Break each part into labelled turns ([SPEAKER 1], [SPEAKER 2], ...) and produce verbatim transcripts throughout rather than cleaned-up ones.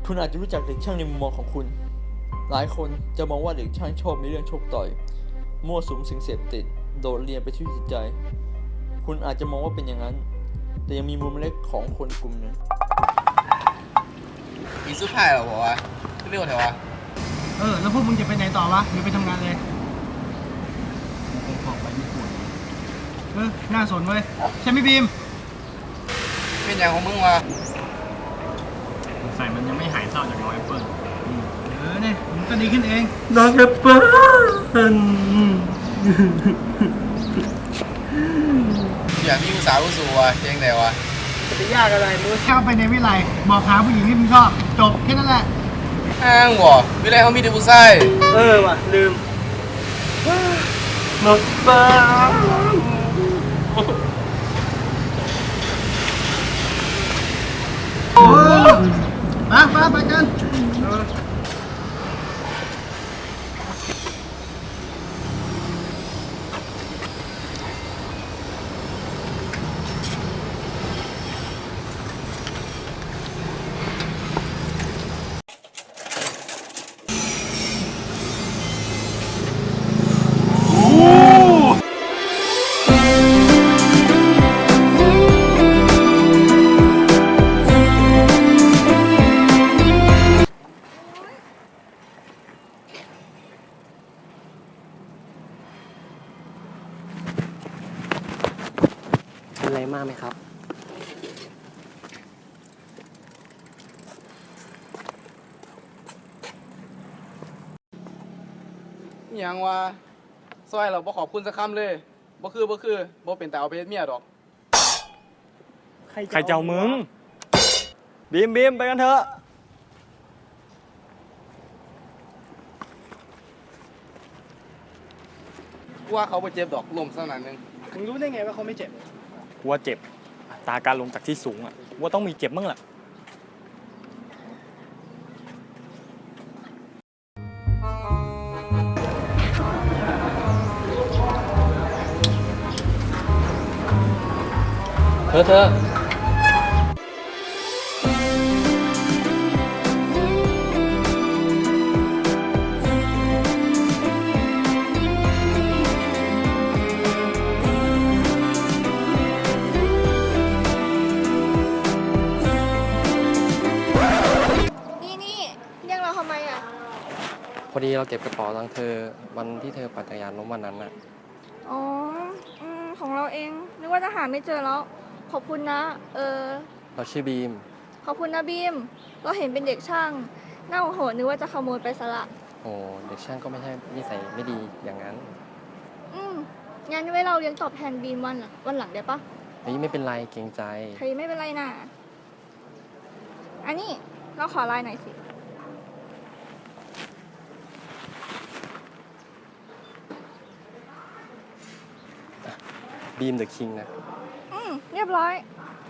[SPEAKER 1] คุณอาจจะรู้จักเด็กช่างในมุมมองของคุณหลายคนจะมองว่าเด็กช่างชอบในเรื่องโชคต่อยมั่วสุมสิ่งเสพติดโดดเรียนไปที่จิตใจคุณอาจจะมองว่าเป็นอย่างนั้นแต่ยังมีมุมเล็กของคนกลุ่มหนึ่ง
[SPEAKER 2] อีสุดท้ายเหรอวะเรียกว่าไงวะ
[SPEAKER 3] เออแล้วพวกมึงจะไปไหนต่อวะหรือไปทำงานเลยผมขอไปญี่ปุ่นเออน่าสนเว้ยใช่ไหมบีม
[SPEAKER 2] เป็นอย่างของมึงวะ
[SPEAKER 4] ใส่มันยังไม่หายเศร้าจากน้องแอปเปิ้ล
[SPEAKER 3] เออเนี่ยมันก็ดีขึ้นเอง
[SPEAKER 1] น้องแอปเปิ้ล
[SPEAKER 2] อย่างที่อุตสาห์อุสูวะเจ๊งไหนวะ
[SPEAKER 3] จะยากอะไรมึงเข้าไปในวิไลบอกหาผู้หญิงที่มึงชอบจบแค่นั้นแหละ
[SPEAKER 2] อ้างวะวิไลเขามีแต่ผู้ชาย
[SPEAKER 3] เออว่ะลืม
[SPEAKER 1] น้องแอปเปิ้ล
[SPEAKER 3] มามาไปกัน
[SPEAKER 5] เป็นไรมากไหมครับ
[SPEAKER 2] อย่างวะซอยเราบ่ขอบคุณสักคำเลยบ่คือบ่คือบ่เป็นแต่เอาไปเฮ็ดเมียดอก
[SPEAKER 4] ใครเจ้ามึงบีมบีมไปกันเถอะ
[SPEAKER 2] กูว่าเขาบ่เจ็บดอกลมสักหน่อยนึง
[SPEAKER 3] มึงรู้ได้ไงว่าเขาไม่เจ็บ
[SPEAKER 4] กูว่าเจ็บอัตราการลงจากที่สูงอ่ะว่าต้องมีเจ็บมั่งแหละ
[SPEAKER 5] เธอเธอพอดีเราเก็บกระเป๋าตังค์เธอวันที่เธอปั่นจักรยานล้มวันนั้นน่ะ
[SPEAKER 6] อ๋ออืมของเราเองนึกว่าจะหาไม่เจอแล้วขอบคุณนะเออ
[SPEAKER 5] เราชื่อบีม
[SPEAKER 6] ขอบคุณนะบีมเราเห็นเป็นเด็กช่างน่าโหดนึกว่าจะขโมยไปซะละ
[SPEAKER 5] โอ้เด็กช่างก็ไม่ใช่นิสัยไม่ดีอย่างนั้น
[SPEAKER 6] อืมงั้นไว้เราเลี้ยงตอบแทนบีมวันวันหลังได้ปะ
[SPEAKER 5] เฮ้ยไม่เป็นไรเกรงใจ
[SPEAKER 6] เฮ้ยไม่เป็นไรนะอันนี้เราขอไลน์หน่อยสิ
[SPEAKER 5] บีมเดอะคิงนะ
[SPEAKER 6] อืมเรียบร้อย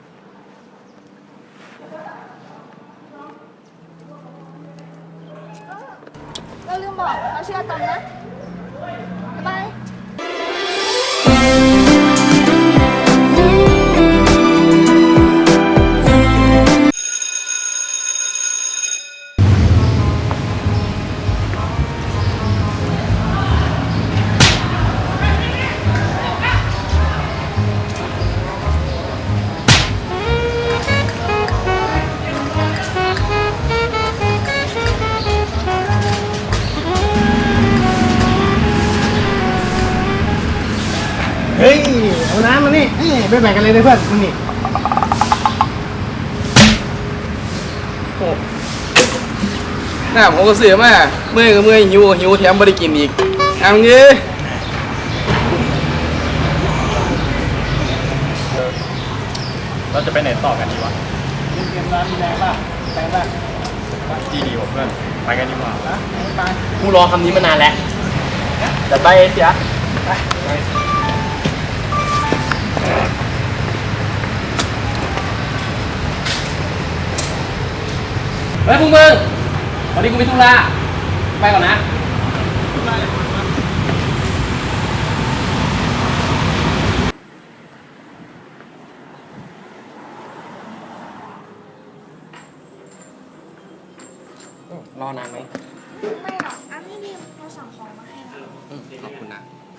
[SPEAKER 6] เราลืมบอกเราชื่ออาตอมนะบ๊ายบาย
[SPEAKER 3] เฮ้ยเอาน้ำมานี่ไปแบ่งกันเลยนะเพื่อนมึงนี่
[SPEAKER 2] โอ้หน้าผมก็เสียมากเมื่อยก็เมื่อยหิวหิวแถมไม่ได้กินอีกเอาเงี้ย
[SPEAKER 4] เราจะไปไหนต่อกันดีวะ
[SPEAKER 3] เกมร้านมีแรงป่ะแรงป่ะ
[SPEAKER 4] ดีดีว่ะเพื่อนไปกันดีกว่า
[SPEAKER 3] ไป
[SPEAKER 5] กูรอคำนี้มานานแล้วแต่ไปเสียไปเฮ้ยพวกมึงวันนี้กูมีธุระไปก่อนนะรอนานไหม
[SPEAKER 6] ไม่หรอกอันนี้บีมเราสั่งของมาให้นะ
[SPEAKER 5] อืมขอบคุณนะ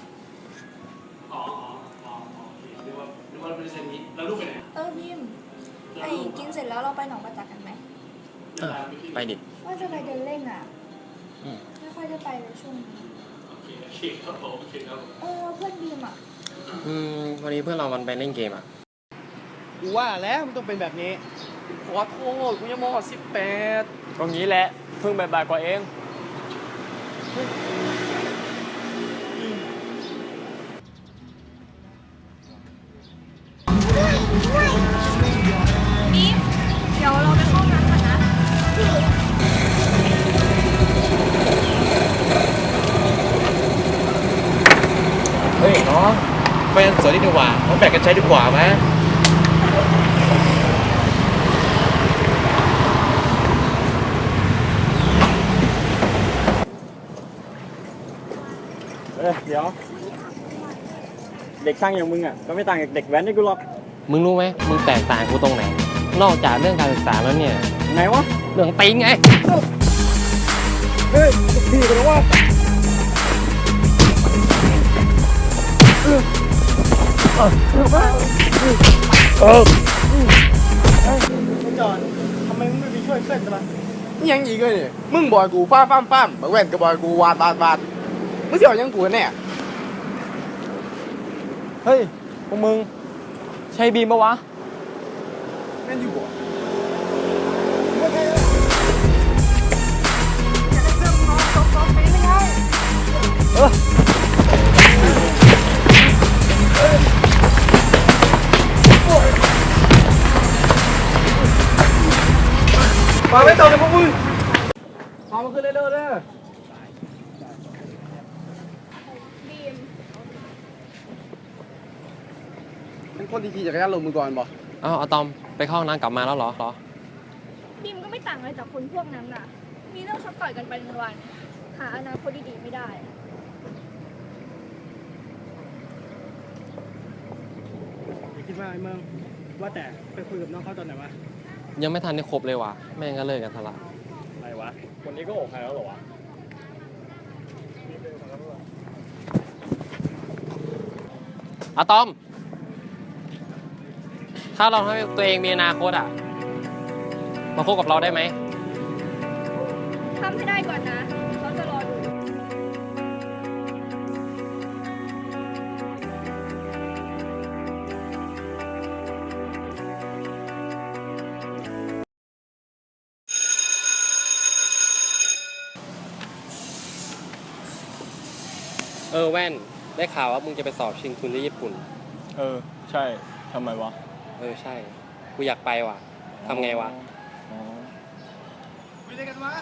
[SPEAKER 6] เออบีมไอ้กินเสร็จแล้วเราไปหนองประจักษ์กันไหม
[SPEAKER 5] เออไปดิ
[SPEAKER 6] ว่าจะไปเดินเล่นอ่ะ
[SPEAKER 5] อืม
[SPEAKER 6] ไม่ค่อยได้ไปเลยช่วงนี้เออเพื่อนบีมอ่ะ
[SPEAKER 5] อืมวันนี้เพื่อนเรามันไปเล่นเกมอ่ะ
[SPEAKER 3] กูว่าแล้วมันต้องเป็นแบบนี้
[SPEAKER 2] ขอโทษกูยังมสิบแปด
[SPEAKER 4] ตรงนี้แหละเพิ่งบ่ายๆกว่าเอง
[SPEAKER 6] บีมเดี๋ยวเราไปเข้าห้องน้ำกันนะ
[SPEAKER 7] เฮ้ยน้องแฟนสวยดีกว่าเราแบ่งกันใช้ดีกว่าไหม
[SPEAKER 4] เออเดี๋ยว เด็กช่างอย่างมึงอ่ะก็ไม่ต่างจากเด็กแว้นนี่กูหรอก
[SPEAKER 5] มึงรู้ไหมมึงแตกต่างกูตรงไหน นอกจากเรื่องการศึกษาแล้วเนี่ย
[SPEAKER 4] ไงวะ
[SPEAKER 5] เรื่องตีนไง
[SPEAKER 4] เฮ้ยพี่กันแล้ววะ
[SPEAKER 3] ไอ้จอนทำไมมึงไม่ไปช่วยเพื่อนกันล่ะ
[SPEAKER 2] นี่ยังอีกเลยนี่มึงบอยกูฟ้าฟ้ามฟ้ามบักแว่นกับบอยกูวาดวาดวาดมึงเสี่ยวยังกูกันแน่
[SPEAKER 4] เฮ้ยพวกมึงใช่บีมปะวะ
[SPEAKER 2] แม่นอยู่บ่ มาไม่ต่อเลยพวกมึงมามาขึ้นเร็วๆเลย
[SPEAKER 6] บีม
[SPEAKER 2] เป็นคนที่ขี่จักรยานลงมือก่อนบ่
[SPEAKER 5] อ้าวอะตอมไปเข้าห้องน้ำกลับมาแล้วเหรอเหรอ
[SPEAKER 6] บีมก็ไม่ต่างอะไรจากคนพวกนั้นน่ะ มีเรื่องชกต่อยกันไปวันๆหาอนาคตดีๆไม่ได้
[SPEAKER 3] อย่าคิดว่าไอ้เมืองว่าแต่ไปคุยกับน้องเขาตอนไหนวะ
[SPEAKER 5] ยังไม่ทันได้ครบเลยว่ะแม่งก็เลิกกันซะละ
[SPEAKER 4] อะไรวะคนนี้ก็อกใครแล้วเหรอวะ
[SPEAKER 5] อะตอม ถ้าเราทำให้ตัวเองมีอนาคตอ่ะ มาคบกับเราได้ไหม
[SPEAKER 6] ทำให้ได้ก่อนนะ เขาจะรอดู
[SPEAKER 5] เออแว่น ได้ข่าวว่ามึงจะไปสอบชิงทุนที่ญี่ปุ่น
[SPEAKER 4] เออใช่ทำไมวะ
[SPEAKER 5] เออใช่ กูอยากไปว่ะทำไงวะ
[SPEAKER 4] อ๋อ
[SPEAKER 3] คุยอะไรกันวะ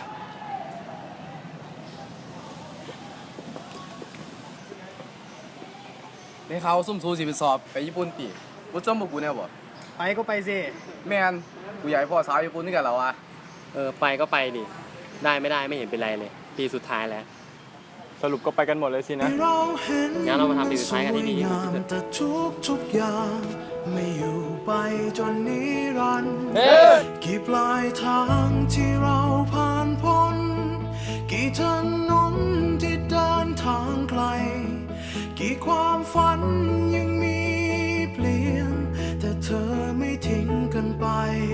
[SPEAKER 2] ในเขาซุ่มซูสิไปสอบไปญี่ปุ่นปีกูจำบอกกูแน่บ่
[SPEAKER 3] ไปก็ไปสิ
[SPEAKER 2] แม่นกูอยากให้พ่อสาวญี่ปุ่นด้วยกันแล้ววะ
[SPEAKER 5] เออไปก็ไปดิ ได้ไม่ได้ไม่เห็นเป็นไรเลย ปีสุดท้ายแล้ว
[SPEAKER 4] สรุปก็ไปกันหมดเลยสินะ
[SPEAKER 5] งั้นเรามาทำปีสุดท้ายกันที่ดีที่สุดเถอะ
[SPEAKER 8] แต่ทุกทุกๆอย่างไม่อยู่ไปจนนิรันดร์
[SPEAKER 5] เฮ้ย
[SPEAKER 8] กี่ปลายทางที่เราผ่านพ้น กี่ถนนที่เดินทางไกล กี่ความฝันยังมีเปลี่ยน แต่เธอไม่ทิ้งกันไป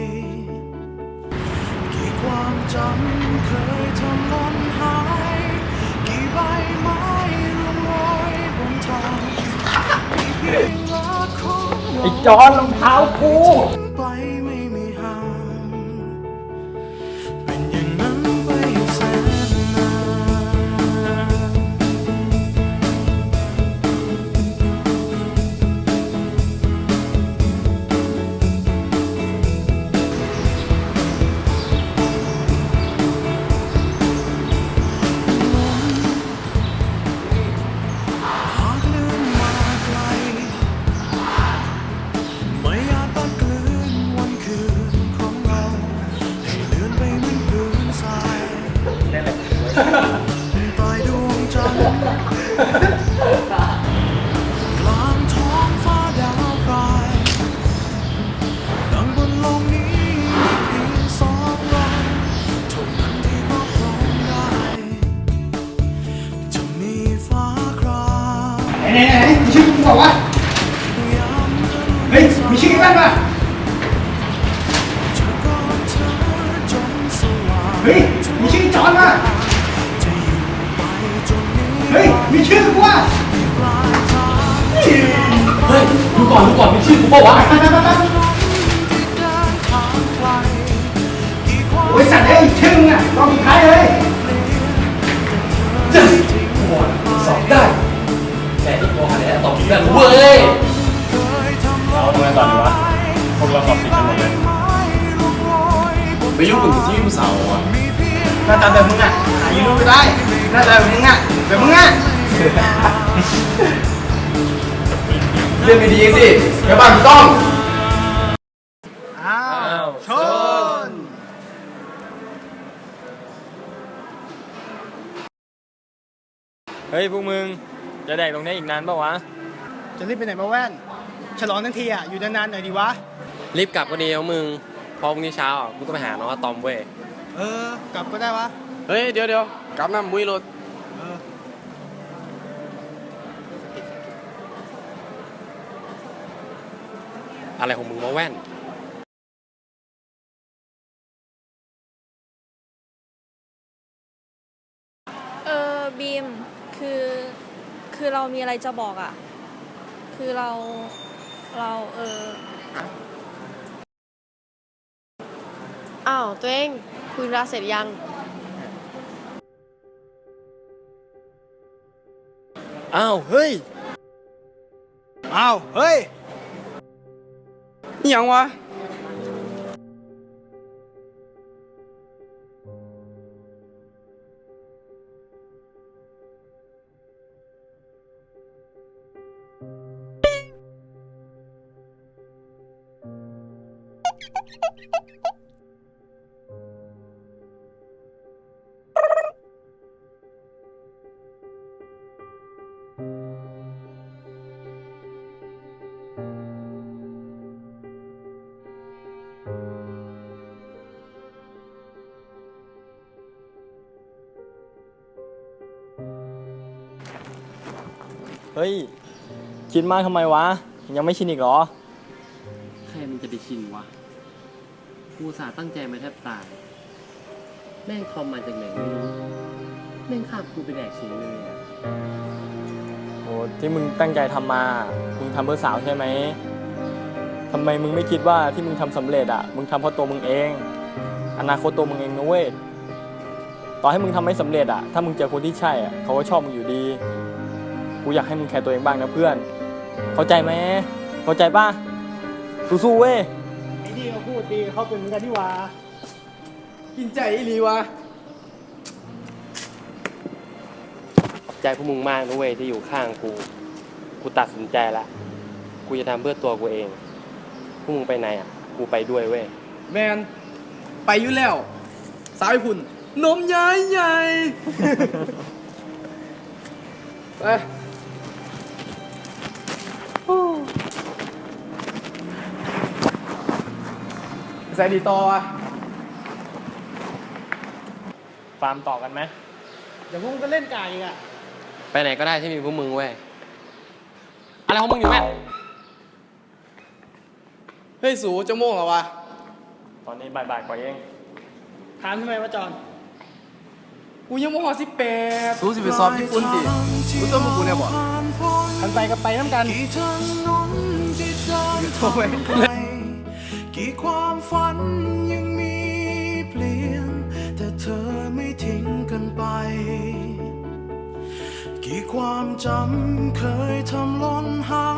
[SPEAKER 8] กี่ความจำเคยทำหล่นหาย กี่ใบไม้ร่วงโรยบนทางมีเพียงรักของเรา
[SPEAKER 4] ไอ้จอนรองเท้ากู
[SPEAKER 8] ไปไม่มีห่าง เป็นอย่างนั้นไปแสนนาน หากเลื่อนมาไกล ไม่อาจบังเกลือ
[SPEAKER 3] ฮ้ยมีชื่อกันป่ะเฮ้ยมีชื่อจอนป่ะเฮ้ยมีชื่อกูว่ะเฮ้ยดูก่อนดูก่อนมีชื่อกูป่าวะโอ้ยสัตว์เอ้ยชื่อมึงอ่ะลองสุดท้ายเลยจะสอบได้แต่ที่โกหกเนี่ยตอบได้เว้ย
[SPEAKER 4] เราทำไงต่อดีวะพวกเราสอบติดกันหมดเลย
[SPEAKER 2] ไปยุ่งกับที่ผู้สาวอ่ะ
[SPEAKER 3] หน้าตาแบบมึงอ่ะหายูรูไม่ได้หน้าตาแบบมึงอ่ะแบบมึงอ่ะ
[SPEAKER 2] เรื่องดีๆสิเดี๋ยวบ้านต้อง
[SPEAKER 3] อ้าวชน
[SPEAKER 4] เฮ้ยพวกมึงจะแดกตรงนี้อีกนานปะวะ
[SPEAKER 3] จะรีบไปไหนมาแว่นฉลองทั้งทีอ่ะอยู่นานๆหน่อยดีวะ
[SPEAKER 5] รีบกลับก็ดีแล้วมึงเพอพรุ่งนี้เช้าอ่ะกูก็ไปหาน้องอะตอมเว้ย
[SPEAKER 3] เออกลับก็ได้วะ
[SPEAKER 2] เฮ้ยเดี๋ยวเดี๋ยวกลับน้ำมุ้ยรถ
[SPEAKER 3] เออ
[SPEAKER 5] อะไรของมึงมาแว่น
[SPEAKER 6] เออบีมคือคือเรามีอะไรจะบอกอ่ะ คือเราเราเออ
[SPEAKER 9] อ้าวตัวเองคุยธุระเสร็จยัง
[SPEAKER 5] อ้าวเฮ้ย
[SPEAKER 3] อ้าวเฮ้ย
[SPEAKER 2] นี่ยังวะ
[SPEAKER 4] เฮ้ยคิดมากทำไมวะ ยังไม่ชินอีกเหรอ
[SPEAKER 5] ใครมันจะไปชินวะกูสาตั้งใจมาแทบตายแม่งทอมมาจากไหนไม่รู้แม่งขับกูไปแดกเฉยเลยอ่ะ
[SPEAKER 4] โอ้ที่มึงตั้งใจทำมา มึงทำเพื่อสาวใช่ไหมทำไมมึงไม่คิดว่าที่มึงทำสำเร็จอ่ะ มึงทำเพราะตัวมึงเอง อนาคตตัวมึงเองนะเว้ย ต่อให้มึงทำไม่สำเร็จอ่ะ ถ้ามึงเจอคนที่ใช่อ่ะ เขาก็ชอบมึงอยู่ดี กูอยากให้มึงแคร์ตัวเองบ้างนะเพื่อน เข้าใจไหม เข้าใจป่ะ สู้ๆเว้ย
[SPEAKER 3] ไอ้นี่เขาพูดดีเขาเป็นเหมือนกันที่ว่า
[SPEAKER 2] กินใจอีหลีวะ
[SPEAKER 5] ใจพวกมึงมากนะเว้ยที่อยู่ข้างกู กูตัดสินใจละ กูจะทำเพื่อตัวกูเอง พวกมึงไปไหนอ่ะ กูไปด้วยเว้ย
[SPEAKER 2] แมนไปอยู่แล้ว สาวไอ้คุณนมใหญ่ใหญ่ ไปใส่ดีต่ออ่ะ
[SPEAKER 4] ฟาร์มต่อกันไหม
[SPEAKER 3] เดี๋ยวพวกมึงก็เล่นกายอีกอ่ะ
[SPEAKER 5] ไปไหนก็ได้ที่มีพวกมึงเว้ย อะไรของมึงอยู่แม่
[SPEAKER 2] เฮ้ยสูจะโม่งเหรอวะ
[SPEAKER 4] ตอนนี้บ่ายๆกว่าเอง
[SPEAKER 3] ถามทำไมวะจอน
[SPEAKER 2] กูยังโม่งสิบแปดสูสิไปสอบญี่ปุ่นดิกูต้องมากูเนี่ยบ่
[SPEAKER 3] กันไปกับไปน้ำกัน
[SPEAKER 8] กี่ถนนที่เดินทางไกลกี่ความฝันยังมีเปลี่ยน แต่เธอไม่ทิ้งกันไป กี่ความจำเคยทำหล่นหา